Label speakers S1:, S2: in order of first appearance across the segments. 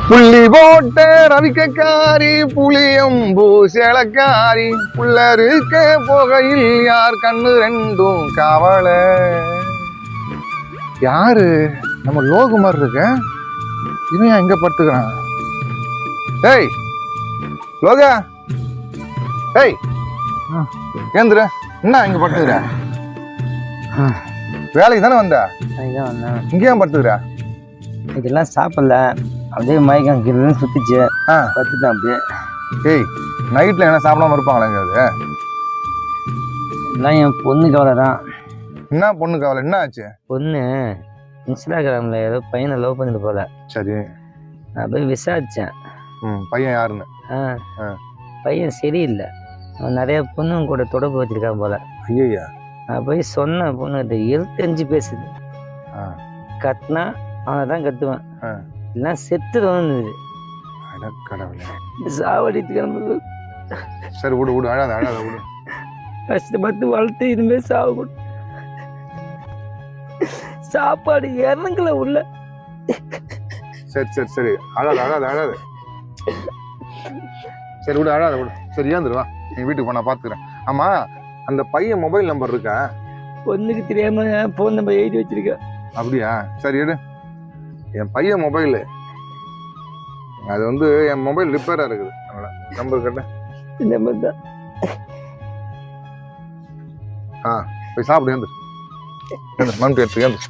S1: புள்ளி போட்ட ரவிக்காரி புளியம்பூ சேலக்காரி புள்ளருக்க போகையில் யார் கண்ணு ரெண்டும் கவலை. யாரு நம்ம லோகு மாதிரி இருக்க, இவன் எங்க படுத்துக்கிறான்? டேய் லோகா, டேய் ஏந்திர, என்ன இங்க படுத்துக்கிற? வேலைக்கு தானே வந்த? இங்க ஏன் படுத்துக்கிற?
S2: இதெல்லாம் சாப்பிடல, அப்படியே மயக்கம் கீழே சுத்திச்சு, பத்துட்டேன் அப்படியே.
S1: ஏய் நைட்ல என்ன சாப்பிடாம இருப்பாங்களா எங்காவது?
S2: எல்லாம் என் பொண்ணு கவலை தான்.
S1: என்ன பொண்ணு கவலை? என்ன ஆச்சு?
S2: பொண்ணு இன்ஸ்டாகிராமில் ஏதோ பையனை லவ் பண்ணிட்டு போல.
S1: சரி,
S2: நான் போய் விசாரித்தேன்.
S1: பையன் யாருன்னு?
S2: பையன் சரியில்லை, அவன் நிறைய பொண்ணுங்க கூட தொடர்பு வச்சிருக்கான் போல.
S1: ஐயா,
S2: நான் போய் சொன்ன பொண்ணுகிட்ட எழுத்தஞ்சு பேசுது. கத்துனா அவனை தான் கத்துவேன், இல்லைன்னா செத்துருவான்னு.
S1: கடவுளே,
S2: சாவடித்து கிளம்புது.
S1: சரி விடு விடு, அழாத அழாத விடு.
S2: கஷ்டப்பட்டு வளர்த்து இனிமே சாவு, சாப்பாடு இறங்கல உள்ள.
S1: சரி சரி சரி, அழாத அழாத அழாத. சரி விடு, அழாத விடு. சரி ஏந்துருவா, நீ வீட்டுக்கு போனா பாத்துக்கிறேன். ஆமா, அந்த பையன் மொபைல் நம்பர் இருக்கா?
S2: பொண்ணுக்கு தெரியாம போன் நம்பர் எழுதி வச்சிருக்க.
S1: அப்படியா? சரி எடு. என் பையன் மொபைலு அது வந்து என் மொபைல் ரிப்பேரா இருக்குது, அதனால நம்பர் கேட்டேன்.
S2: நம்பர் தான்.
S1: போய் சாப்பிடு, ஏந்து மண் எடுத்து ஏந்து.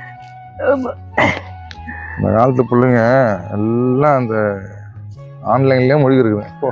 S1: இந்த காலத்து பிள்ளைங்க எல்லாம் அந்த ஆன்லைன்லயே மொழி இருக்குது. போ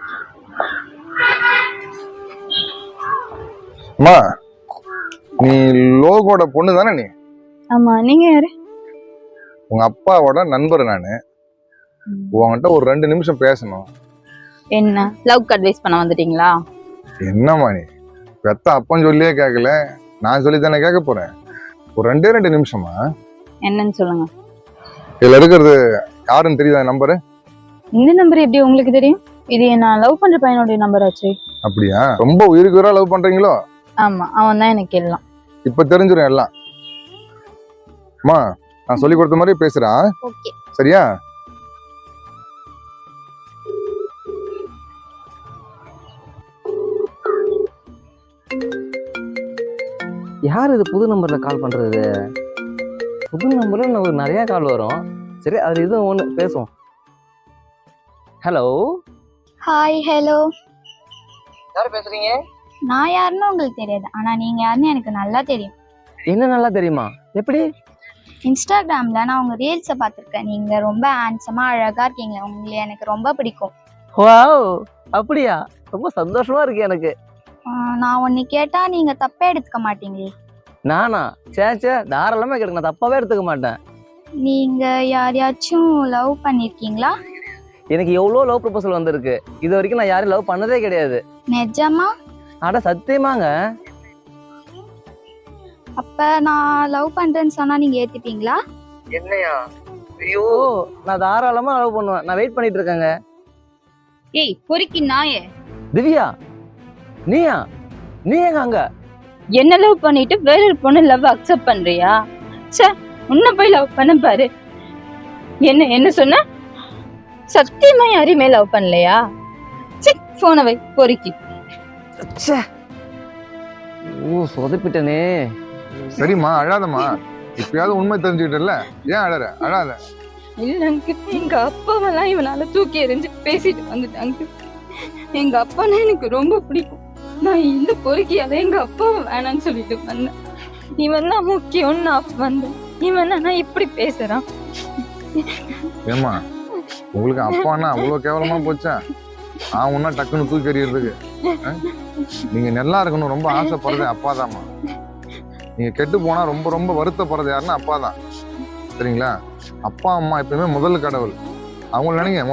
S1: அம்மா, நீ லோகோட பொண்ணு தானே நீ?
S3: ஆமா, நீங்க யாரு?
S1: உங்க அப்பாவோட நண்பர் நானு. உங்ககிட்ட ஒரு 2 நிமிஷம் பேசணும்.
S3: என்ன லவ் அட்வைஸ் பண்ண வந்துட்டீங்களா?
S1: என்னம்மா நீ பெத்த அப்பன் சொல்லியே கேட்கல, நான் சொல்லி தானே கேட்க போறேன். ஒரு 2 நிமிஷமா?
S3: என்னன்னு சொல்லுங்க.
S1: இதுல இருக்கிறது யாருன்னு தெரியுதா நம்பரு?
S3: இந்த நம்பர் எப்படி உங்களுக்கு தெரியும்? இது நான் லவ் பண்ற பையனுடைய நம்பர் ஆச்சு.
S1: அப்படியா? ரொம்ப உயிருக்கு உயிரா லவ் பண்றீங்களோ?
S3: ஆமா, அவன் தான் எனக்கு எல்லாம்.
S1: இப்ப தெரிஞ்சிடும் எல்லாம். அம்மா, நான் சொல்லி கொடுத்த மாதிரி பேசுறான்,
S3: ஓகே
S1: சரியா?
S2: யார் இது புது நம்பர்ல கால் பண்றது? புது நம்பர்ல நமக்கு நிறைய கால் வரும். சரி, அது இது ஒன்று பேசுவோம். ஹலோ.
S4: ஹாய். ஹலோ.
S2: யார் பேசுறீங்க?
S4: நான் யாருன்னு உங்களுக்கு தெரியாது, ஆனா நீங்க யாருன்னு எனக்கு நல்லா தெரியும்.
S2: என்ன நல்லா தெரியுமா? எப்படி?
S4: இன்ஸ்டாகிராம்ல நான் உங்க ரீல்ஸை பார்த்துருக்கேன். நீங்க ரொம்ப ஹேண்ட்ஸமா அழகா இருக்கீங்க, உங்களை எனக்கு ரொம்ப பிடிக்கும்.
S2: வாவ், அப்படியா? ரொம்ப சந்தோஷமா இருக்கு எனக்கு.
S4: நான் ஒன்னு கேட்டா நீங்க தப்பே எடுத்துக்க மாட்டீங்களே?
S2: நானா? சேச்சே, தாராளமா கேட்க, நான் தப்பாவே எடுத்துக்க மாட்டேன்.
S4: நீங்க யாரையாச்சும் லவ் பண்ணிருக்கீங்களா?
S2: எனக்கு எவ்வளோ லவ் ப்ரொபோசல் வந்திருக்கு, இது வரைக்கும் நான் யாரையும் லவ் பண்ணதே கிடையாது.
S4: நிஜமா?
S2: அட சத்தியமாங்க.
S4: அப்ப நான் லவ் பண்றேன்னு சொன்னா நீங்க ஏத்துப்பீங்களா?
S2: என்னையா? ஐயோ, நான் தாராளமா லவ் பண்ணுவேன், நான் வெயிட் பண்ணிட்டு இருக்கேங்க.
S3: ஏய் பொறுக்கி நாயே.
S2: திவ்யா, நீயா? நீ எங்க அங்க?
S3: என்ன லவ் பண்ணிட்டு வேற ஒரு பொண்ணு லவ் அக்செப்ட் பண்றியா? சே, உன்ன போய் லவ் பண்ண பாரு. என்ன சொன்ன? சத்தியமா யாரையுமே லவ் பண்ணலையா? சே, போன வை பொறுக்கி.
S2: ச்சே, ஓ சொதப்பிட்டனே.
S1: சரிம்மா, அழாதம்மா. இப்பயாவது உண்மை தெரிஞ்சுக்கிட்டல, ஏன் அழற? அழாத.
S3: இல்ல அங்கிள், எங்க அப்பாவெல்லாம் இவனால தூக்கி எறிஞ்சு பேசிட்டு வந்துட்டாங்க. எங்க அப்பானா எனக்கு ரொம்ப பிடிக்கும். நான் இந்த பொறுக்கியால எங்க அப்பாவை வேணான்னு சொல்லிட்டு வந்தேன். இவன் தான் முக்கியம்னு நான் வந்தேன். இவன் நான் இப்படி பேசுறான்.
S1: ஏமா, உங்களுக்கு அப்பான்னா அவ்வளவு கேவலமா போச்சா? உன்னா டக்குன்னு தூக்கி எறியறதுக்கு. நீங்க நல்லா இருக்கணும் ரொம்ப ஆசைப்படுறது அப்பாதாம்மா. நீங்க கெட்டு போனா ரொம்ப ரொம்ப வருத்தப்படுறது யாருன்னா அப்பாதான், சரிங்களா? அப்பா அம்மா எப்பயுமே முதல் கடவுள். அவங்கள நினைங்க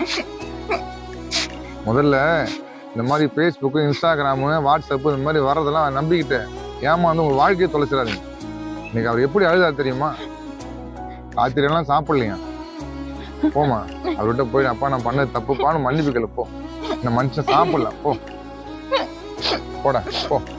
S1: முதல்ல இந்த மாதிரி ஃபேஸ்புக்கு, இன்ஸ்டாகிராமு, வாட்ஸ்அப்பு இந்த மாதிரி வர்றதெல்லாம் நம்பிக்கிட்டு ஏமாந்து உங்க வாழ்க்கையை தொலைச்சிடாதீங்க. இன்னைக்கு அவர் எப்படி அழுதாரு தெரியுமா? ராத்திரியெல்லாம் சாப்பிடலையா? போமா, அவர்கிட்ட போய் அப்பா நான் பண்ணது தப்புப்பான்னு மன்னிப்புக்கல. போ, இந்த மனுஷன் சாப்பிடல, போடா போ.